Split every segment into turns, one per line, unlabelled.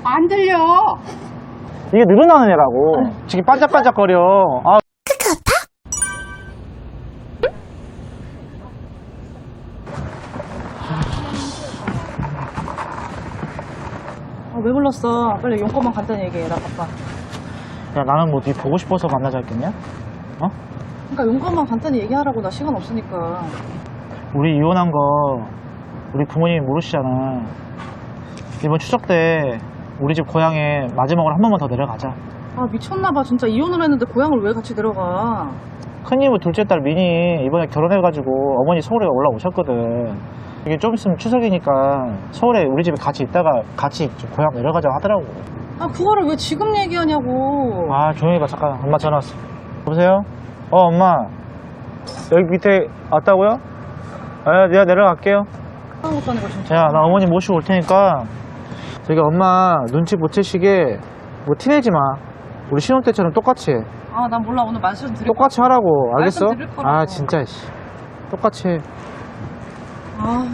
안 들려.
이게 늘어나는 애라고. 지금 반짝반짝거려. 아.
왜 불렀어? 빨리 용건만 간단히 얘기해. 나 바빠.
야, 나는 뭐 네 보고 싶어서 만나자 했겠냐? 어?
그러니까 용건만 간단히 얘기하라고. 나 시간 없으니까.
우리 이혼한 거 우리 부모님이 모르시잖아. 이번 추석 때 우리 집 고향에 마지막으로 한 번만 더 내려가자.
아 미쳤나봐. 진짜 이혼을 했는데 고향을 왜 같이 내려가?
큰이모 둘째 딸 민이 이번에 결혼해가지고 어머니 서울에 올라오셨거든. 이게 좀 있으면 추석이니까 서울에 우리 집에 같이 있다가 같이 고향 내려가자고 하더라고.
아 그거를 왜 지금 얘기하냐고.
아 조용히 봐. 잠깐 엄마 전화 왔어. 여보세요? 엄마 여기 밑에 왔다고요? 아, 내가 내려갈게요.
못하는 거 진짜.
야, 나 어머니 모시고 올 테니까 저기 엄마 눈치 못 채시게 뭐 티내지 마. 우리 신혼 때처럼 똑같이 해.
아 난 몰라. 오늘 말씀 드릴
똑같이 하라고. 알겠어?
말씀드릴 거라고.
아 진짜 씨. 똑같이 해.
아.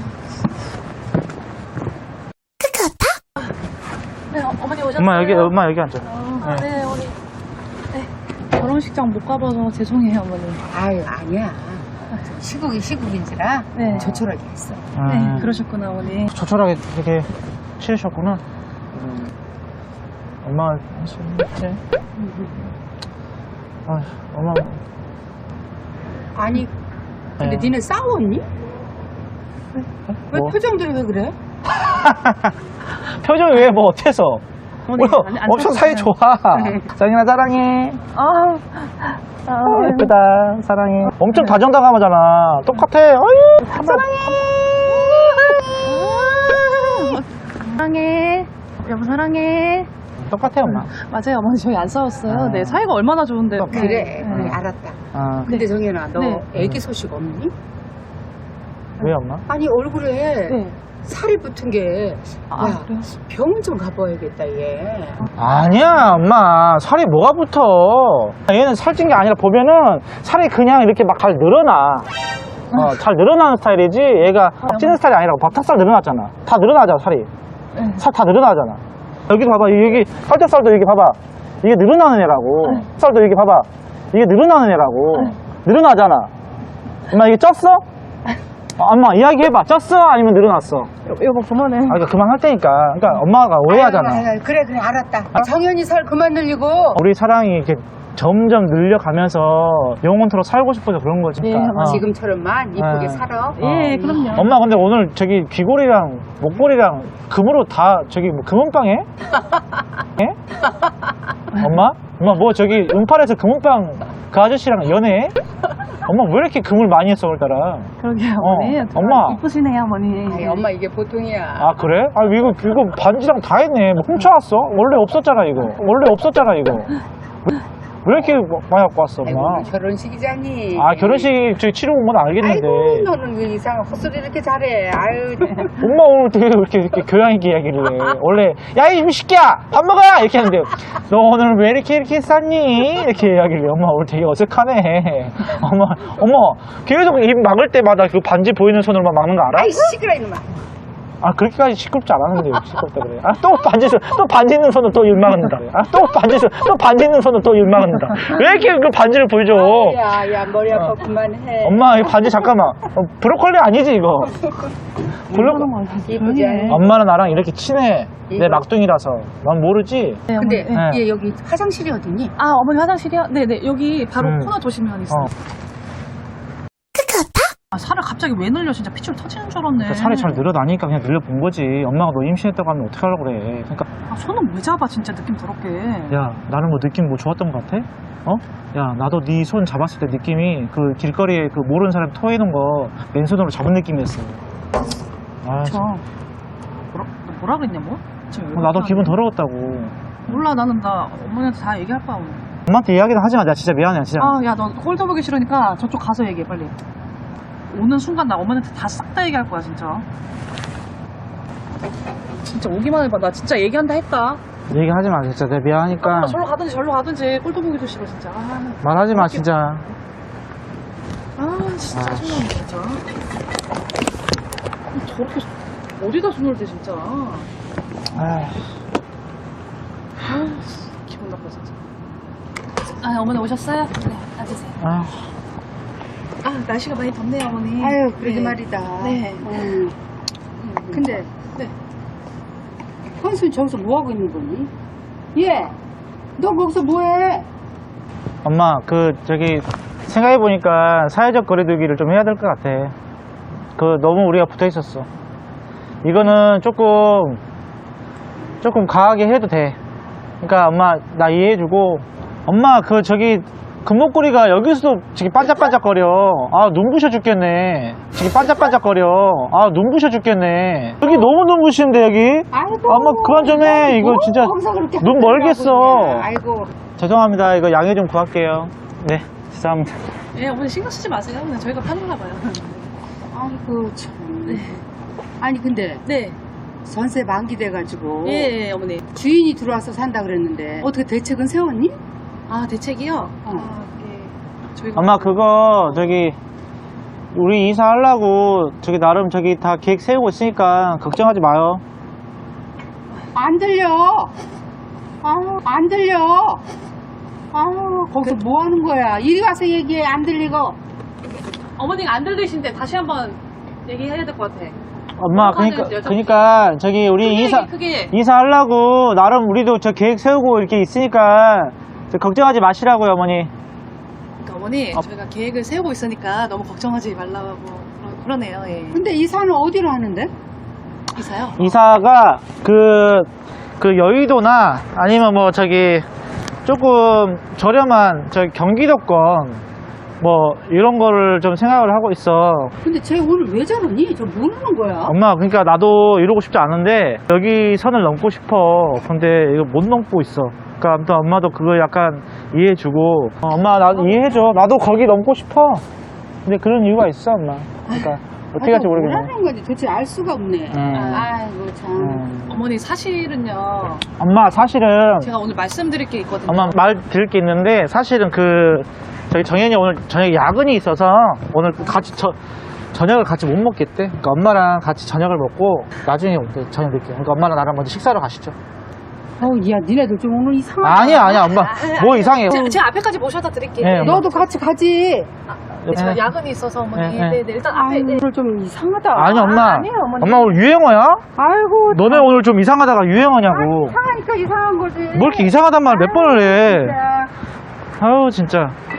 네 어머니 오셨어요?
엄마 여기 앉아.
네 우리 결혼식장 못 가봐서 죄송해요 어머니.
아유, 아니야. 시국이 시국인지라
네.
조촐하게 했어.
네 그러셨구나 어머니.
조촐하게 되게 치르셨구나. 엄마 네. 아, 엄마
아니, 근데
네.
니네 싸웠니? 왜
뭐?
표정들이 왜 그래?
표정이 왜 뭐 어때서?
어머니,
뭐야,
안
엄청 사이 좋아. 짱이나 사랑해. 예쁘다. 사랑해. 엄청 다정다감하잖아. 똑같아. 어이, 사랑해.
사랑해. 여보 사랑해.
똑같아, 엄마.
맞아요 어머니 저희 안 싸웠어요.
아.
네 사이가 얼마나 좋은데.
그래,
네.
알았다.
아,
근데 정연아, 너
네.
애기 소식 없니?
왜 엄마?
아니, 얼굴에
네.
살이 붙은 게,
아
야,
그래요?
병원 좀 가봐야겠다, 얘.
아니야, 엄마. 살이 뭐가 붙어? 얘는 살찐 게 아니라 보면은 살이 그냥 이렇게 막 잘 늘어나. 잘 늘어나는 스타일이지. 얘가 막 찌는 스타일이 아니라고. 닭살 늘어났잖아. 다 늘어나잖아, 살이.
네.
살 다 늘어나잖아. 여기도 봐봐. 여기 팔뚝살도 여기 봐봐. 이게 늘어나는 애라고. 살도 여기 봐봐. 이게 늘어나는 애라고. 늘어나잖아. 엄마 이게 쪘어? 엄마 이야기해봐. 쪘어? 아니면 늘어났어?
여보 그만해.
아, 그러니까 그만할 테니까. 그러니까 엄마가 오해하잖아.
아유, 그래, 알았다. 정연이 살 그만 늘리고.
우리 사랑이 이렇게 점점 늘려가면서 영원토록 살고 싶어서 그런 거지.
네,
그러니까.
지금처럼만 이쁘게
네.
살아.
예 그럼요.
엄마 근데 오늘 저기 귀걸이랑 목걸이랑 금으로 다 저기 뭐 금은빵 해? 예? 엄마? 엄마 뭐 저기 운팔에서 금은빵 그 아저씨랑 연애해? 엄마 왜 이렇게 금을 많이 했어 오늘따라?
그러게요 어머니.
엄마.
이쁘시네요 어머니.
아이, 엄마 이게 보통이야.
아 그래? 아 이거 반지랑 다 했네. 뭐 훔쳐왔어? 원래 없었잖아 이거. 원래 없었잖아 이거. 왜 이렇게 많이 갖고 왔어
아이고,
엄마?
결혼식이잖니.
아 결혼식 저기 치러 온 건 알겠는데.
아이고, 너는 왜 이상한 헛소리 이렇게 잘해. 아유.
엄마 오늘 되게 이렇게 교양 있게 이야기를 해. 원래 야 이 새끼야 밥 먹어 이렇게 하는데 너 오늘 왜 이렇게 쌌니 이렇게 이야기를 해. 엄마 오늘 되게 어색하네. 엄마 계속 입 막을 때마다 그 반지 보이는 손으로만 막는 거 알아?
아이, 시끄러, 이놈아.
아 그렇게까지 시끄럽지 않았는데 왜 시끄럽다 그래. 아 또 반지 있는 손으로 또 입 막는다. 아 또 반지 있는 손으로 또 입 막는다. 왜 이렇게 그 반지를 보여줘?
야, 머리 아파 그만해.
엄마 이 반지 잠깐만. 브로콜리 아니지 이거?
이쁘지 않니?
엄마는 나랑 이렇게 친해. 내
이거.
막둥이라서. 난 모르지?
네,
근데
어머니.
네.
얘 여기 화장실이 어디니?
아 어머니 화장실이요? 네네 여기 바로 코너 도시면 있어요. 아 살을 갑자기 왜 늘려? 진짜 피줄 터지는 줄 알았네.
그러니까 살이 잘 늘어나니까 그냥 늘려본 거지. 엄마가 너 임신했다고 하면 어떡하려고 그래. 그러니까
아, 손은 왜 잡아 진짜 느낌 더럽게.
야 나는 뭐 느낌 뭐 좋았던 것 같아? 어? 야 나도 네 손 잡았을 때 느낌이 그 길거리에 그 모르는 사람 토해놓은 거 맨손으로 잡은 느낌이었어. 아,
저
참.
뭐라 그랬냐 뭐? 지금 왜
나도
그렇게
기분
하는데?
더러웠다고.
몰라 나는 나 어머니한테 다 얘기할 거야 오늘.
엄마한테 이야기는 하지 마. 나 진짜 미안해 진짜.
아 야 너 꼴도 보기 싫으니까 저쪽 가서 얘기해 빨리. 오는 순간 나 어머니한테 다 싹 다 얘기할 거야 진짜. 진짜 오기만 해봐. 나 진짜 얘기한다 했다.
얘기하지 마 진짜. 내가 미안하니까.
절로 가든지 절로 가든지 꼴도 보기도 싫어 진짜.
말하지 마 진짜.
아 진짜 짜증나네 진짜. 저렇게 어디다 손을 대 진짜.
아
아, 어머니 오셨어요? 네, 앉으세요.
아,
아, 날씨가 많이 덥네요, 어머니.
아유, 그러게
네.
말이다.
네.
근데,
네.
헌순 저기서 뭐하고 있는 거니? 얘, 너 거기서 뭐해?
엄마, 생각해보니까 사회적 거리두기를 좀 해야 될 것 같아. 너무 우리가 붙어 있었어. 이거는 조금 강하게 해도 돼. 그러니까 엄마, 나 이해해주고, 엄마, 금목걸이가 여기서도 지금 반짝반짝거려. 아, 눈부셔 죽겠네. 지금 반짝반짝거려. 아, 눈부셔 죽겠네. 여기 너무 눈부시는데, 여기?
아이고.
엄마, 그만 좀 해. 이거 진짜
거기서 그렇게
눈
하고
멀겠어.
있냐. 아이고.
죄송합니다. 이거 양해 좀 구할게요. 네, 죄송합니다.
예, 어머니 신경 쓰지 마세요. 그냥 저희가 파는가 봐요.
아이고, 참. 아니, 근데,
네.
전세 만기돼가지고.
예, 예, 어머니.
주인이 들어와서 산다 그랬는데, 어떻게 대책은 세웠니?
아, 대책이요?
어.
아, 예. 저희가.
엄마, 우리 이사하려고, 나름 다 계획 세우고 있으니까, 걱정하지 마요.
안 들려. 안 들려. 거기서 뭐 하는 거야? 이리 와서 얘기해. 안 들리고.
어머니가 안 들리신데 다시 한번 얘기해야 될 것 같아.
엄마, 그니까, 우리
크게.
이사하려고, 나름 우리도 계획 세우고 이렇게 있으니까, 걱정하지 마시라고요, 어머니.
그러니까 어머니, 저희가 계획을 세우고 있으니까 너무 걱정하지 말라고 그러네요, 예.
근데 이사는 어디로 하는데?
이사요?
이사가, 여의도나, 아니면 조금 저렴한, 경기도권, 이런 거를 좀 생각을 하고 있어.
근데 쟤 오늘 왜 저러니? 저 모르는 거야?
엄마, 그러니까 나도 이러고 싶지 않은데 여기 선을 넘고 싶어. 근데 이거 못 넘고 있어. 그러니까 아무튼 엄마도 그거 약간 이해해주고. 엄마, 나도 이해해줘. 나도 거기 넘고 싶어. 근데 그런 이유가 있어, 엄마. 그러니까 어떻게 할지 모르겠네.
뭐라는 건지 도대체 알 수가 없네.
음.
아이고 참.
어머니, 사실은요.
엄마, 사실은
제가 오늘 말씀드릴 게 있거든요.
엄마 말 드릴 게 있는데 사실은 저희 정현이 오늘 저녁에 야근이 있어서 오늘 같이 저녁을 같이 못 먹겠대. 그러니까 엄마랑 같이 저녁을 먹고 나중에 올게, 저녁 늦게. 그러니까 엄마랑 나랑 먼저 식사를 가시죠.
야, 니네들 좀 오늘 이상하다.
아니야, 엄마. 뭐 이상해.
제가 앞에까지 모셔다 드릴게요.
네,
너도 같이 가지.
제가
네.
야근이 있어서 어머니.
네.
네, 일단 앞에.
아이고, 오늘 좀 이상하다.
아니, 엄마.
아니에요, 어머니.
엄마 오늘 유행어야?
아이고.
너네 오늘 좀 이상하다가 유행어냐고.
이상하니까 이상한 거지.
뭐 이렇게 이상하단 말 몇 번을 해.
진짜.
아유, 진짜.